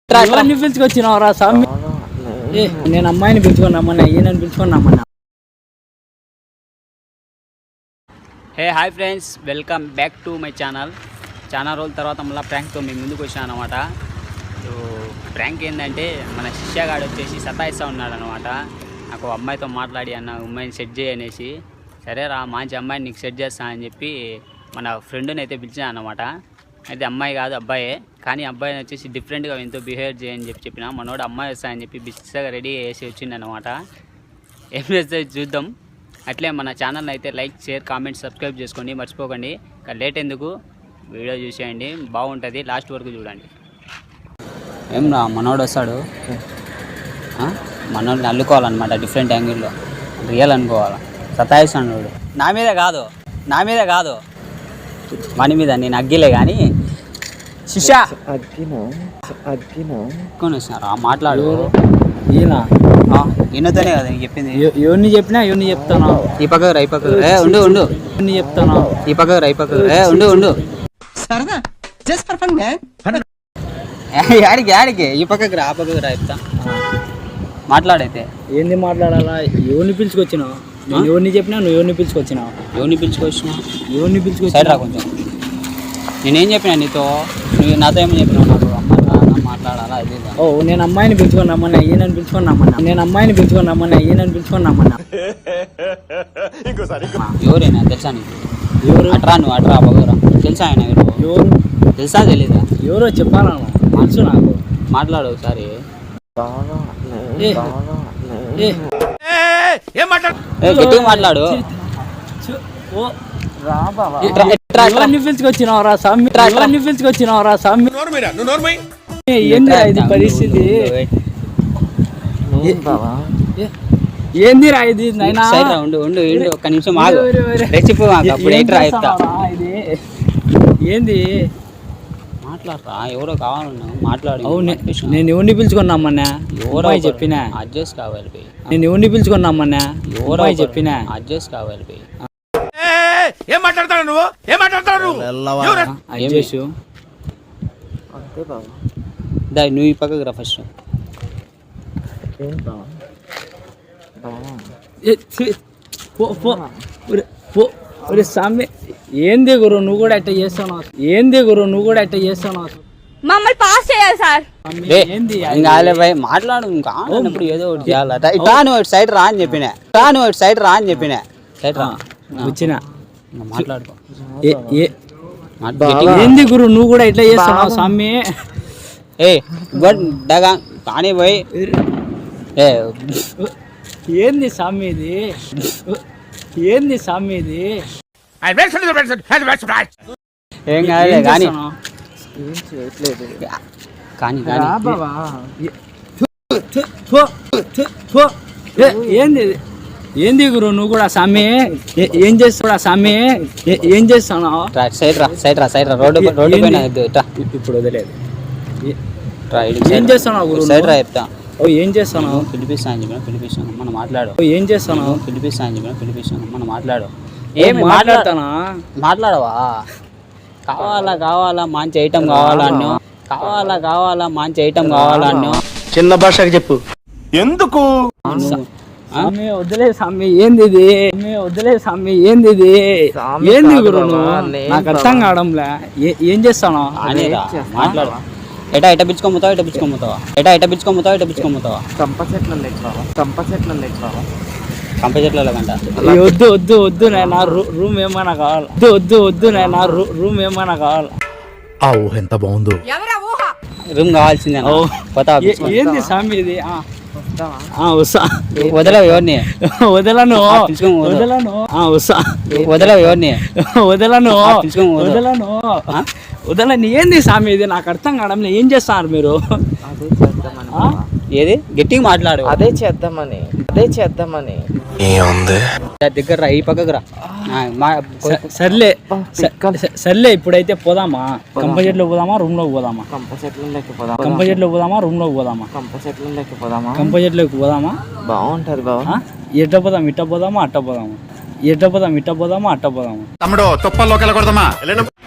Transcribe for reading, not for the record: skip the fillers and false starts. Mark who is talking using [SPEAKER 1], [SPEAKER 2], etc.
[SPEAKER 1] ఎవరిని పిలుచుకొచ్చినావురా స్వామి? నేను అమ్మాయిని పిలుచుకొని రమ్మన్నా, ఈయనని పిలుచుకొని రమ్మన్నా.
[SPEAKER 2] Hey hi friends, welcome back to my channel. చాలా రోజుల తర్వాత మళ్ళీ ప్రాంక్తో మీ ముందుకు వచ్చాను అనమాట. సో ప్రాంక్ ఏంటంటే మన శిష్యగాడు వచ్చేసి సతాయిస్తూ ఉన్నాడు అనమాట. నాకు అమ్మాయితో మాట్లాడి అన్న అమ్మాయిని సెట్ చేయనేసి, సరే రా మంచి అమ్మాయిని నీకు సెట్ చేస్తా అని చెప్పి మన ఫ్రెండ్ని అయితే పిలిచాను అనమాట. అయితే అమ్మాయి కాదు అబ్బాయే, కానీ అబ్బాయిని వచ్చేసి డిఫరెంట్గా ఎంతో బిహేవ్ చేయని చెప్పిన మనోడు అమ్మాయి వస్తా అని చెప్పి బిస్గా రెడీ చేసి వచ్చింది అనమాట. ఏం చేస్తే చూద్దాం. అట్లే మన ఛానల్ని అయితే లైక్, షేర్, కామెంట్, సబ్స్క్రైబ్ చేసుకోండి మర్చిపోకండి. ఇంకా లేట్ ఎందుకు, వీడియో చూసేయండి, బాగుంటుంది, లాస్ట్ వరకు చూడండి. ఏం రా మనోడు వస్తాడు, మనోడిని అల్లుకోవాలన్నమాట, డిఫరెంట్ యాంగిల్లో రియల్ అనుకోవాలి. సతాయిస్తాడు నా మీదే కాదు మన మీద, నేను అగ్గిలే కానీ శిష్య వచ్చినారా మాట్లాడు. ఈయనతోనే కదా నీకు చెప్పింది.
[SPEAKER 1] ఎవరిని చెప్పినా ఎవరిని చెప్తాను,
[SPEAKER 2] ఈ పక్కకు రా, ఈ పక్కకు ఉండు
[SPEAKER 1] ఎవరిని చెప్తాను,
[SPEAKER 2] ఈ పక్కకు రా, ఈ పక్కకు ఉండు యాడికి ఈ పక్కకు రా, ఆ పక్కకు రా, చెప్తా. మాట్లాడైతే
[SPEAKER 1] ఏంది మాట్లాడాలా? ఎవరిని పిలుచుకొచ్చినావు? నేను ఎవరిని చెప్పినా నువ్వు ఎవరిని పిలుచుకొచ్చినావు?
[SPEAKER 2] ఎవరిని పిలుచుకొచ్చి సైడ్ రా కొంచెం. నేనేం చెప్పినా నీతో? నువ్వు నాతో ఏమని చెప్పినావు? నాకు అమ్మాయి మాట్లాడాలా అది.
[SPEAKER 1] ఓ నేను అమ్మాయిని పిలుచుకొని రమ్మన్నా, ఈయనని పిలుచుకొని రమ్మన్నా.
[SPEAKER 2] ఎవరైనా తెలుసా నీకు?
[SPEAKER 1] ఎవరు?
[SPEAKER 2] అట్రా పగరా, తెలుసా ఆయన ఎవరు? తెలుసా తెలీదా?
[SPEAKER 1] ఎవరో చెప్పాలా? తెలుసు నాకు.
[SPEAKER 2] మాట్లాడు ఒకసారి. గట్టిగా మాట్లాడు.
[SPEAKER 1] ఎవరిని పిలుచుకొచ్చినావురా స్వామి? ఏందిరా ఇది పరిస్థితి? ఏందిరా ఇది?
[SPEAKER 2] ఉండు ఒక్క నిమిషం ఆగు. రెసిపీ అప్పుడు ఏంట్రా చెప్తా.
[SPEAKER 1] ఏంది
[SPEAKER 2] మాట్లాడరా, ఎవరో కావాలన్నా మాట్లాడు.
[SPEAKER 1] నేను ఎవరిని పిలుచుకున్నామన్నా? ఎవరో చెప్పినా
[SPEAKER 2] అడ్జస్ట్ కావాలి.
[SPEAKER 1] నేను ఎవరిని పిలుచుకున్నామన్నా? ఎవరో చెప్పినా
[SPEAKER 2] అడ్జస్ట్ కావాలి.
[SPEAKER 3] ఏం మాట్లాడతాడు నువ్వు?
[SPEAKER 2] నువ్వు ఈ పక్కకు రా ఫస్ట్.
[SPEAKER 1] స్వామి ఏంది గురు నువ్వు కూడా ఎట్ట చేస్తాను?
[SPEAKER 4] మమ్మల్ని పాస్ చేయాలి సార్.
[SPEAKER 2] మాట్లాడు, కానప్పుడు ఏదో ఒకటి చేయాలి. నువ్వు సైడ్ రా అని చెప్పిన, సైడ్ రా
[SPEAKER 1] వచ్చిన
[SPEAKER 2] మాట్లాడుకో.
[SPEAKER 1] ఏంది గురు నువ్వు కూడా ఎట్లా చేస్తున్నావు స్వామి?
[SPEAKER 2] కానీ పోయి
[SPEAKER 1] ఏంది స్వామి ఇది?
[SPEAKER 2] ఏం కాదులే కానీ
[SPEAKER 1] ఏంది గురు నువ్వు కూడా స్వామి? ఏం చేస్తున్నావు?
[SPEAKER 2] సైడ్ రా రోడ్డు పైన
[SPEAKER 1] ఇప్పుడు వదిలేదు.
[SPEAKER 2] ఏం చేస్తున్నావు గురు? సైడ్ రా చెప్తా.
[SPEAKER 1] ఏం చేస్తున్నావు?
[SPEAKER 2] పిలిపిస్తాను మనం మాట్లాడు.
[SPEAKER 1] ఏం చేస్తున్నావు?
[SPEAKER 2] పిలిపిస్తాను మనం మాట్లాడు.
[SPEAKER 1] ఏమి మాట్లాడతానా?
[SPEAKER 2] మాట్లాడవా? కావాలా మంచి ఐటమ్ కావాలన్నా,
[SPEAKER 3] చిన్న భాషకి చెప్పు. ఎందుకు
[SPEAKER 1] స్వామి వదిలే స్వామి, ఏంది ఏంది గురు నువ్వు? నాకు అర్థం కావడంలే. ఏం చేస్తాను?
[SPEAKER 2] మాట్లాడు. ఎటా పిచ్చుకోముతావా? కంప చెట్ల కంట.
[SPEAKER 1] వద్దు నాయనా, రూమ్ ఏమైనా కావాలి.
[SPEAKER 3] ఆ ఊహ ఎంత బాగుందో.
[SPEAKER 2] రూమ్ కావాల్సిందే.
[SPEAKER 1] ఏంది స్వామి ఇది?
[SPEAKER 2] వదలవు ఎవరిని?
[SPEAKER 1] వదలను. ఏంది స్వామి ఇది? నాకు అర్థం కావడం. ఏం చేస్తున్నారు మీరు?
[SPEAKER 2] ఏది గట్టిగా మాట్లాడు.
[SPEAKER 5] అదే చేద్దామని
[SPEAKER 2] దగ్గర ఈ పక్కకు రా.
[SPEAKER 1] సర్లే ఇప్పుడైతే పోదామా? కంప చెట్లు పోదామా, రూమ్ లోకి పోదామా? కంప చెట్లోకి పోదామా?
[SPEAKER 5] బాగుంటది బాబా.
[SPEAKER 1] ఎట్ట పోదాం? ఇట్ట పోదామా, అట్ట పోదామా?
[SPEAKER 3] తమ్ముడు తుప్పల్లోకి వెళ్ళకూడదమ్మా.